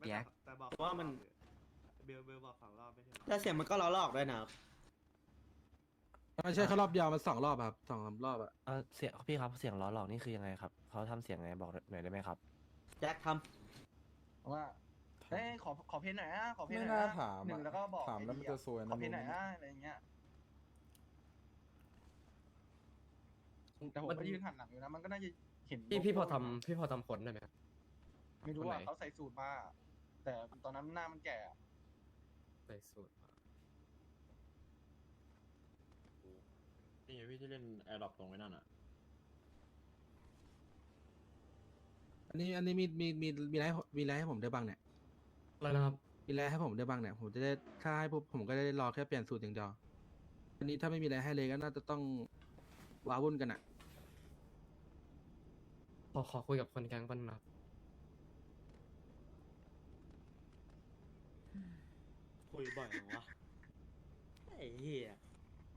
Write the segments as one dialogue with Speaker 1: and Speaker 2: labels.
Speaker 1: ปียก
Speaker 2: แต่บอก
Speaker 3: ว่ามัน
Speaker 2: เบลบอก2 รอบไม่ใช่เหรอ
Speaker 3: แต่เสียงมันก็ล้อหลอกด้วยนะครับ
Speaker 4: ไม่ใช่แค่รอบเดียวมัน2 รอบครับ2-3 รอบอะ
Speaker 1: เสียงพี่ครับเสียงล้อหลอกนี่คือยังไงครับเขาทำเสียงไงบอกหน่อยได้ไหมครับ
Speaker 3: แจ็คท
Speaker 5: ว่าเอ้ยขอเพลงหน่อยนะขอเพลงห
Speaker 6: ไม่
Speaker 5: น่อย
Speaker 6: น่า
Speaker 5: นะ
Speaker 6: ถาม
Speaker 5: หนึ่งแล้วก็บอก
Speaker 6: ถามแล้วมันจะซวย
Speaker 5: ข
Speaker 6: นะ
Speaker 5: อเพลงหน่อย
Speaker 6: รู้
Speaker 5: นะ
Speaker 6: ไหม
Speaker 5: อะไรอย่างเงี้ยแต่ผมก็ยืนหันหลังอยู่นะมันก็น่าจะเห็น
Speaker 7: พี่พอ
Speaker 5: โลโก้
Speaker 7: ทำพี่พอทำผลได้ไหมครับ
Speaker 5: ไม่รู้
Speaker 7: คนไห
Speaker 5: อ่ะ
Speaker 7: น
Speaker 5: เขาใส่สูตรมาแต่ตอนนั้นหน้ามันแก่อะ
Speaker 7: ใส่สูตรมา
Speaker 8: นี่ไงพี่ที่เล่นแอร์ดรอปตรงไว้นั่นอ่ะ
Speaker 4: อันนี้มีอะไรให้ผมได้บ้างเนี่ย
Speaker 7: อะไรนะครับ
Speaker 4: มีอะไรให้ผมได้บ้างเนี่ยผมจะได้ถ้าให้ปุ๊บผมก็ได้รอแค่เปลี่ยนสูตรอย่างเดียวอันนี้ถ้าไม่มีอะไรให้เลยก็น่าจะต้องว้าวุ่นกันอะ
Speaker 7: ขอคุยกับคนแก๊งปันนะครับ
Speaker 3: ำคุยบ่อยเหรอวะไอ้เหี้ย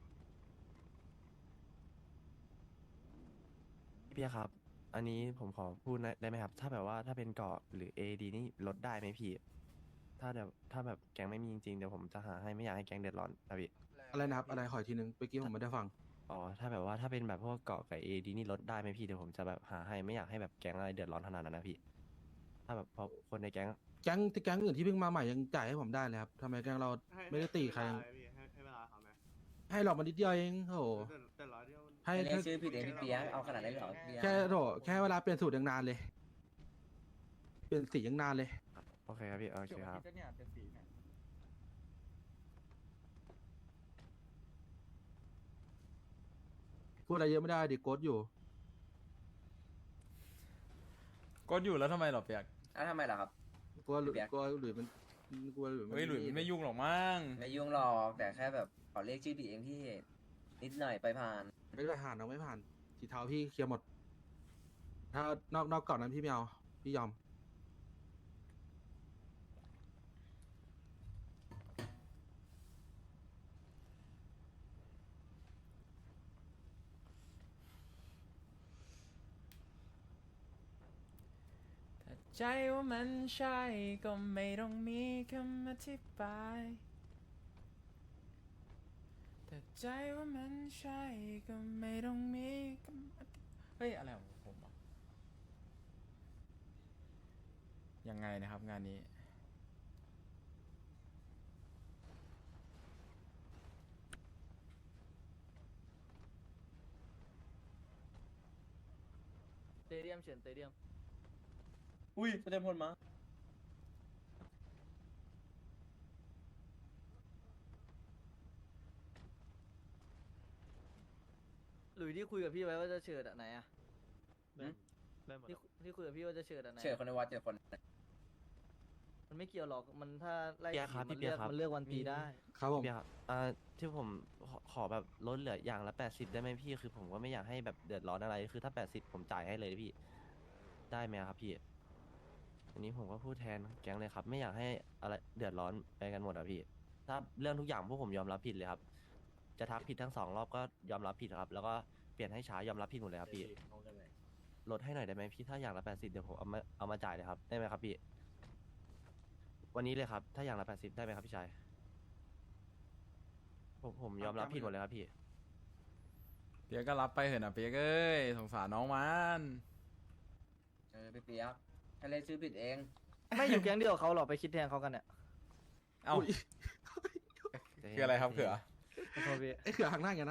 Speaker 1: พี่ครับ อันนี้ผมขอพูดได้ไหมครับ ถ้าแบบว่าถ้าเป็นเกาะหรือ AD นี่ลดได้ไหมพี่ ถ้าแบบแก๊งไม่มีจริงๆเดี๋ยวผมจะหาให้ไม่อยากให้แก๊งเดือดร้อนนะพี่
Speaker 4: อะไรนะครับอะไรขออีกทีนึงเมื่อกี้ผมไม่ได้ฟัง
Speaker 1: อ๋อถ้าแบบว่าถ้าเป็นแบบพวกเกาะกับ AD นี่ลดได้ไหมพี่เดี๋ยวผมจะแบบหาให้ไม่อยากให้แบบแก๊งอะไรเดือดร้อนขนาดนั้นนะพี่ ถ้าแบบพอคนในแก๊ง
Speaker 4: แก๊งอื่นที่เพิ่งมาใหม่ยังจ่ายให้ผมได้เลยครับทำไมแก๊งเราไม่ได้ตีใครยัง
Speaker 2: ให้เวลาเขาไหม
Speaker 4: ให้หลอกมานิดเดียวเองโอ้โห
Speaker 2: แต่ร้อยเดียว
Speaker 4: ให้
Speaker 1: เรียกชื่อผิดเองพี่เปียกเอาขนาดนั้นเลยเหรอพี่
Speaker 4: แค่โถแค่เวลาเปลี่ยนสูตรยังนานเลย เปลี่ยนสียังนานเลย
Speaker 1: โอเคครับพี่โอเค
Speaker 5: เกี่ยว
Speaker 1: ค
Speaker 5: กั
Speaker 1: รั
Speaker 5: บบ ที่เนี่ยเป็นสีเนี่ย
Speaker 4: พูดอะไรเยอะไม่ได้ดิโกดอยู่
Speaker 6: ก็อยู่แล้วทำไมหรอเปียก
Speaker 1: ทำไมล่ะครับ
Speaker 4: กลัวหลุยมันกลัวหลุยมัน
Speaker 6: เฮ้ยหลุยมันไม่ยุ่งหรอกมั้ง
Speaker 1: ไม่ยุ่งหรอกแต่แค่แบบขอเรียกชื่อผิดเองที่นิดหน่อยไปผ่าน
Speaker 4: ไม่ได้ผ่านน้องไม่ผ่านสีเทาพี่เคลียร์หมด ถ้านอกก่อนนั้นพี่ไม่เอาพี่ยอม
Speaker 9: ถ้าใจว่ามันใช่ก็ไม่ต้องมีคำอธิบายแต่ใจว่ามันใช่ก็ไม่ต้องมีคำอธิบายเฮ้ยอะไรของผมอ่ะ
Speaker 6: ยังไงนะครับงานนี้
Speaker 9: เตเดียมเฉินเตเดียม
Speaker 1: อุ้ยแสดงผลมา
Speaker 9: หลุยที่คุยกับพี่ไว้ว่าจะเฉิดอะไหนอะ
Speaker 7: ได้หมด
Speaker 9: ที่คุยกับพี่ว่าจะเฉิดอะไหน
Speaker 1: เชิญคนในวัดเจอคน
Speaker 9: มันไม่เกี่ยวหรอกมันถ้าไล่
Speaker 1: เปียกครับ
Speaker 9: มัน
Speaker 1: พี่เปียกครับ
Speaker 9: มันเลือกวันตีได้
Speaker 4: ครับผม
Speaker 1: พี่ครับที่ผมขอแบบลดเหลืออย่างละ80ได้ไหมพี่คือผมก็ไม่อยากให้แบบเดือดร้อนอะไรคือถ้า80ผมจ่ายให้เลยพี่ได้ไหมครับพี่อันนี้ผมก็พูดแทนแก๊งเลยครับ ไม่อยากให้อะไรเดือดร้อนไปกันหมดอะพี่ ถ้าเรื่องทุกอย่างพวกผมยอมรับผิดเลยครับ จะทักผิดทั้ง2 รอบก็ยอมรับผิดครับ แล้วก็เปลี่ยนให้ช้ายอมรับผิดหมดเลยครับพี่ลดให้หน่อยได้ไหมพี่ถ้าอย่างละ80เดี๋ยวผมเอามาจ่ายเลยครับได้ไหมครับพี่ วันนี้เลยครับ ถ้าอย่างละ80ได้ไหมครับพี่ชายผมยอมรับผิดหมดเลยครับพี่
Speaker 6: เปียกก็รับไปเถอะนะเปียกเอ้ยสงสารน้องมัน
Speaker 1: พี่เปียกถ้าเล่นชื่อผิดเอง
Speaker 9: ไม่อยู่แก๊งเดียวกับเขาหรอกไปคิดแทนเขากันเนี่ย
Speaker 6: เอ้าคืออะไรครับเขือ
Speaker 9: ขอโทษพี่
Speaker 4: ไอ้เขือหักหน้าอย่างนะ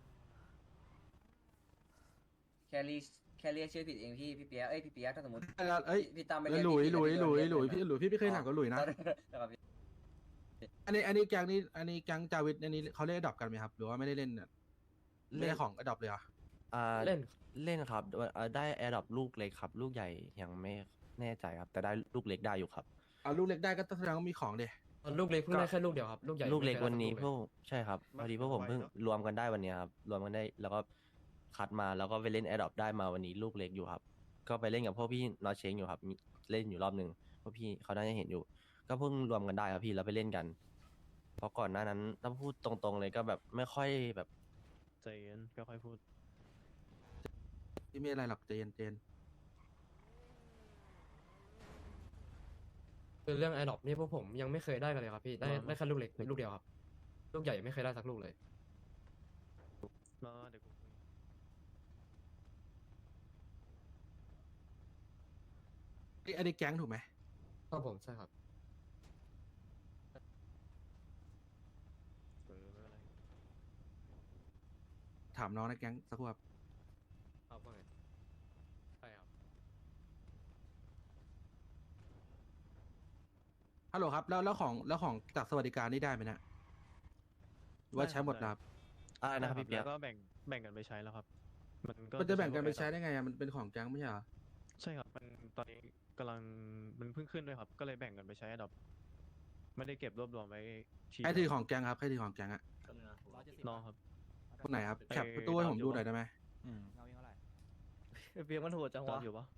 Speaker 1: แค่เรียกชื่อผิดเองพี่เปียกพี่เปียกถ้าสมมติ
Speaker 4: เอ้ย
Speaker 1: พี่ตามไป
Speaker 4: หลุยพี่ไม่เคยหนักกับหลุยนะ
Speaker 1: นะครับพี่
Speaker 4: อันนี้แก๊งนี้อันนี้แก๊งจาวิทอันนี้เขาเล่นอดอปกันไหมครับ หรือว่าไม่ได้เล่นเนี่ยไม่ได้ของอดอปเลยเหรอ
Speaker 7: เล่น
Speaker 1: เล่นครับได้แอร์ดรอปลูกเล็กครับ ลูกใหญ่ยังไม่แน่ใจครับ แต่ได้ลูกเล็กได้อยู่ครับ
Speaker 4: เอาลูกเล็กได้ก็แสดงว่ามีของเด
Speaker 7: ลูกเล็กเพิ่งได้แค่ลูกเดียวครับลูกใหญ่
Speaker 1: ลูกเล็ก
Speaker 7: ไม่คย
Speaker 1: วันนี้
Speaker 7: ได้
Speaker 1: พวกใช่ครับพอดีพวกผมเพิ่งรวมกันได้วันเนี้ยครับรวมกันได้แล้วก็คัดมาแล้วก็ไปเล่นแอร์ดรอปได้มาวันนี้ลูกเล็กอยู่ครับ ก็ไปเล่นกับพวกพี่นอตเชงอยู่ครับมีเล่นอยู่รอบหนึ่งพวกพี่เขาน่าจะเห็นอยู่ ก็เพิ่งรวมกันได้ครับพี่แล้วไปเล่นกัน เพราะก่อนหน้านั้นถ้าพูดตรงๆเลยก็แบบไม่ค่อยแบบ
Speaker 7: ใจเย็นก็ค่อยพูด
Speaker 4: ที่ไม่อะไรหรอกเจน
Speaker 7: คือเรื่องไอดอปนี่พวกผมยังไม่เคยได้กันเลยครับพี่ได้แค่ลูกเล็กลูกเดียวครับลูกใหญ่ไม่เคยได้สักลูกเลย
Speaker 3: มาเดี๋ยวกูคุย
Speaker 4: อันนี้แก๊งถูกไหม
Speaker 7: ครับผมใช่ครับ
Speaker 3: ไม่เป็นไร
Speaker 4: ถามน้องในแก๊งสักครู่ครับ
Speaker 7: ครับว่าไงใช่ครับ
Speaker 4: ฮัลโหลครับแล้วของจากสวัสดิการนี่ได้ไหมเนะหรือว่าใช้หมดแล้วครับ
Speaker 1: อะไรนะครับพี่เปีย
Speaker 3: แล้
Speaker 1: ก
Speaker 3: วก็แบ่งกันไปใช้แล้วครับ
Speaker 4: มันจะแบ่งกันไปใช้ได้ไงอะมันเป็นของแก๊งไม่ใช่เหรอ
Speaker 3: ใช่ครับมันตอนนี้กำลังมันเพิ่งขึ้นด้วยครับ ก็เลยแบ่งกันไปใช้ดอกไม่ได้เก็บรวบรวมไว้ที
Speaker 4: ใครถือของแก๊งครับใครถือของแก๊งอะ
Speaker 3: น้องครับ
Speaker 4: คนไหนครับ
Speaker 3: ไอ้
Speaker 4: แคปประตูให้ผมดูหน่อยได้ไหม
Speaker 6: อืม
Speaker 7: เพียงมันโหดจัง
Speaker 3: จอ
Speaker 7: วะ
Speaker 3: ดอยู่ปะ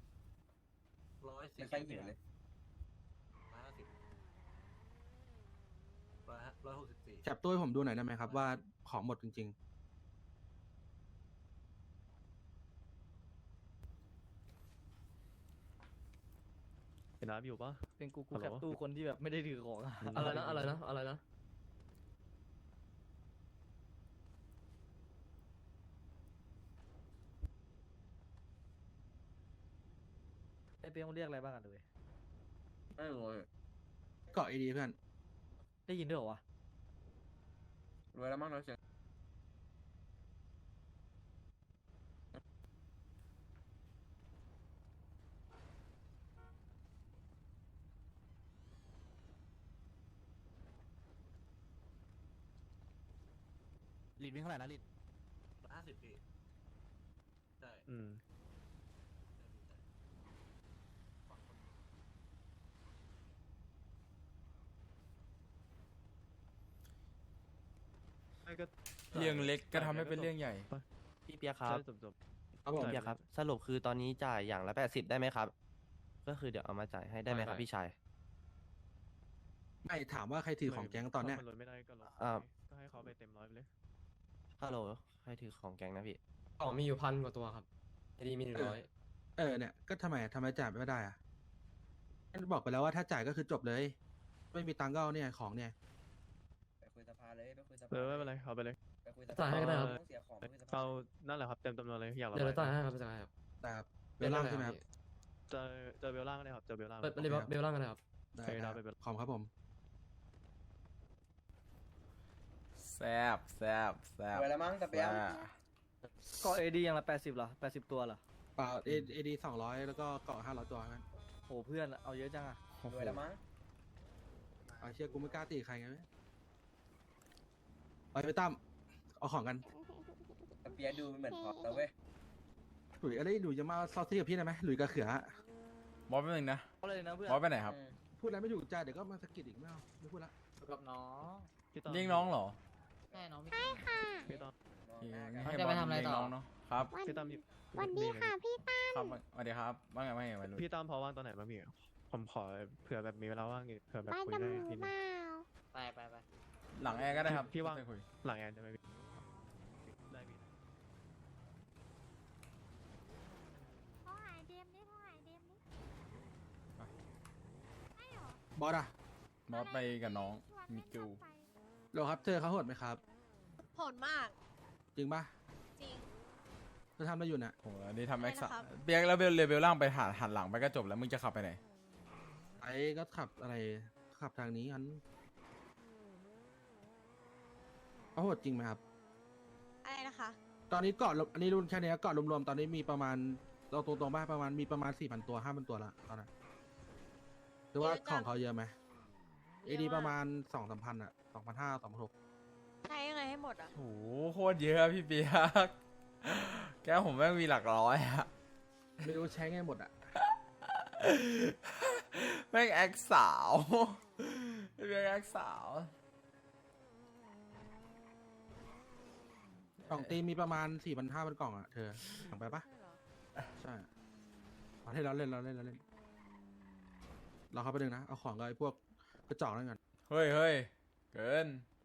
Speaker 5: ไม่ค่อยหิวเลย
Speaker 4: แคปตู้ให้ผมดูหน่อยได้ไหมครับว่าของหมดจริง
Speaker 3: เป็นน้ำอยู่ปะ
Speaker 7: เป็นกู
Speaker 3: ฮัลโหล
Speaker 7: แคปตู้คนที่แบบไม่ได้ถือของอะไรนะไอเปียงเรียกอะไรบ้างกันเลย
Speaker 5: ไม่รู้เลย
Speaker 4: ๆ เกาะไอดีเพื่อน
Speaker 7: ได้ยินด้วยเหรอวะ
Speaker 5: รวยแล้วมั้งเราเสียง
Speaker 4: ลีดวิ่งเท่าไหร่นะลีด
Speaker 3: อืมไม่ก็
Speaker 6: เรื่องเล็กก็ทำให้เป็นเรื่องใหญ่
Speaker 1: พี่เปียกครับ
Speaker 3: ใช่จบ
Speaker 4: ครับผม
Speaker 1: พี่เปียกครับ สรุปคือตอนนี้จ่ายอย่างละ80ได้ไหมครับ ก็คือเดี๋ยวเอามาจ่ายให้ได้ไหมครับพี่ชาย
Speaker 4: ไม่ถามว่าใครถือของแก๊งตอนเนี้ย
Speaker 3: ถ้ามัลดไม่ได้ก็ลด
Speaker 1: อ่า
Speaker 3: ก็ให้เขาไปเต็มร้อยไปเลย
Speaker 1: ฮัลโหลใครถือของแก๊งนะพี่
Speaker 7: กล่องมีอยู่1,000 กว่าตัวครับไอดีมี100
Speaker 4: เนี่ยก็ทำไมจ่ายไม่ได้อะบอกไปแล้วว่าถ้าจ่ายก็คือจบเลย ไม่มีตังค์ก็เอาเนี่ยของเนี่ย
Speaker 5: ไปคุยสภาเลยไปคุยสภา
Speaker 3: ไม่เป็นไรเอาไปเลย
Speaker 5: ไปคุยสภา
Speaker 7: จ่ายให้ก็ได้ครับ
Speaker 5: ต้องเสียของไปคุยสภา
Speaker 3: เอานั่นแหละครับเต็มจำนวนเลยอยากระ
Speaker 7: เดี๋ยว
Speaker 3: บาย
Speaker 7: เราจ่ายให้ครับจ่ายให้ครับ
Speaker 4: แต่เวลาใช่ไหมครับ
Speaker 3: เจอเบลล่างก็ได้ครับเจอเบลล่าง
Speaker 7: เปิดเบลล่างกันเลยครับ
Speaker 4: ได้
Speaker 3: ไป
Speaker 4: ค
Speaker 3: ดา
Speaker 4: รั
Speaker 3: ว
Speaker 4: บ
Speaker 3: ไปเป็น
Speaker 4: ขอบคุณครับผม
Speaker 6: แซบ
Speaker 5: รวยแล้วมั้งแต่เปียง
Speaker 7: ก็เอดีอย่างละ80เหรอ80 ตัวเหรอ
Speaker 4: เปล่าเอดี200แล้วก็เกาะ500ตัวครับ
Speaker 7: โหเพื่อนเอาเยอะจังอะ
Speaker 5: รวยแล้วมั้ง
Speaker 4: เอาเชื่อกูไม่กล้าตีใครไงไปตั้มเอาของกัน
Speaker 5: แต่เปียดูเหมือนพอแล้วเว้ย
Speaker 4: หลุยอะไรหลุยจะมาซอสซี่กับพี่ได้ไหมหลุยกับเขือบ
Speaker 6: อสแป๊บนึงนะ
Speaker 7: เอาเลยนะเพื่อน
Speaker 6: บอสไปไหนครับ
Speaker 5: อืม
Speaker 4: พูดอะไรไม่ถูกใจเดี๋ยวก็มาสะกิดอีกไม่เอาไม่พูดละ
Speaker 7: กับน้อง
Speaker 3: พี่ต้
Speaker 6: เรียกน้องเหรอ
Speaker 7: ใช่น้อง
Speaker 3: พี่ต้อม
Speaker 5: มอง
Speaker 6: โอเค
Speaker 5: หน้า
Speaker 6: งั้น
Speaker 5: กัน
Speaker 6: ให้
Speaker 7: จะ
Speaker 6: บ
Speaker 7: ไป
Speaker 6: อส
Speaker 7: ทำอะไร
Speaker 6: เรียก
Speaker 7: ต่อ
Speaker 6: น้องเนาะครับ
Speaker 3: พี่ต้อมหยิบ
Speaker 10: วันดีค่ะพี่ตั้ม
Speaker 6: ครับสวัสดีครับว่าไงวัยรุ่น
Speaker 3: พี่ต้อมพอว่างตอนไหนบ้างพี่ผมขอเผื่อแบบมีเวลาว่างอีกเผื่อแบบ
Speaker 10: ไป
Speaker 3: คุย
Speaker 10: ดำ
Speaker 3: ได้
Speaker 10: มือ
Speaker 3: ที
Speaker 10: เป
Speaker 3: นึง
Speaker 10: ล่า
Speaker 7: ไป
Speaker 6: หลังแอร์ก็ได้ครับ
Speaker 3: พี่ว่าง
Speaker 6: จะคุย
Speaker 3: หลังแอนจะไหมพี่ได้พี่
Speaker 10: พ่อหายเดมนี่พ่อหายเดมนี่
Speaker 4: บอสอะ
Speaker 6: บอสไปกับน้อง
Speaker 10: ชวน
Speaker 6: มิ
Speaker 10: เล่น
Speaker 6: กู
Speaker 10: รถไฟ
Speaker 4: โหลครับเธอเขาโหดไหมครับ
Speaker 10: โหดมาก
Speaker 4: จริงปะ
Speaker 10: จริง
Speaker 4: เธอทำอะไรอยู่เนี่ย
Speaker 6: โอ้โหอันนี้ทำแอคซ์
Speaker 10: อะไรนะครับ
Speaker 6: เปียกแล้วเบลเลเบลล่างไปหันหลังไปก็จบแล้วมึงจะขับไปไหน
Speaker 4: ไอ้ก็ขับอะไรขับทางนี้กันเขาโหดจริงไหมครับ
Speaker 10: อะไรนะคะ
Speaker 4: ตอนนี้เกาะรวมอันนี้รุ่นแค่เนี้ยเกาะรวมๆตอนนี้มีประมาณเราตรงๆบ้างประมาณมีประมาณ 4,000 ตัว 5,000 ตัวละตอนนั้นหรือว่าของเขาเยอะไหมเอดีประมาณ 2-3 พันอะ2,500 2,600
Speaker 10: ใช้ยังไงให้หมดอ่ะ
Speaker 6: โอ้โหโคตรเยอะพี่เปียก แก้วผมแม่งมีหลักร้อยอะ
Speaker 4: ไม่รู้ใช้ไงหมดอะ
Speaker 6: แม่งแอคสาวพี่เปียกแอคสาว
Speaker 4: กล่องตีมีประมาณ 4,500 กล่องอะเธอสั่งไปปะใช่เอาให้เราเล่นเราเข้าไปดึงนะเอาของกับไอ้พวกกระจอกนั่นก่อน
Speaker 6: เฮ้ยเกิน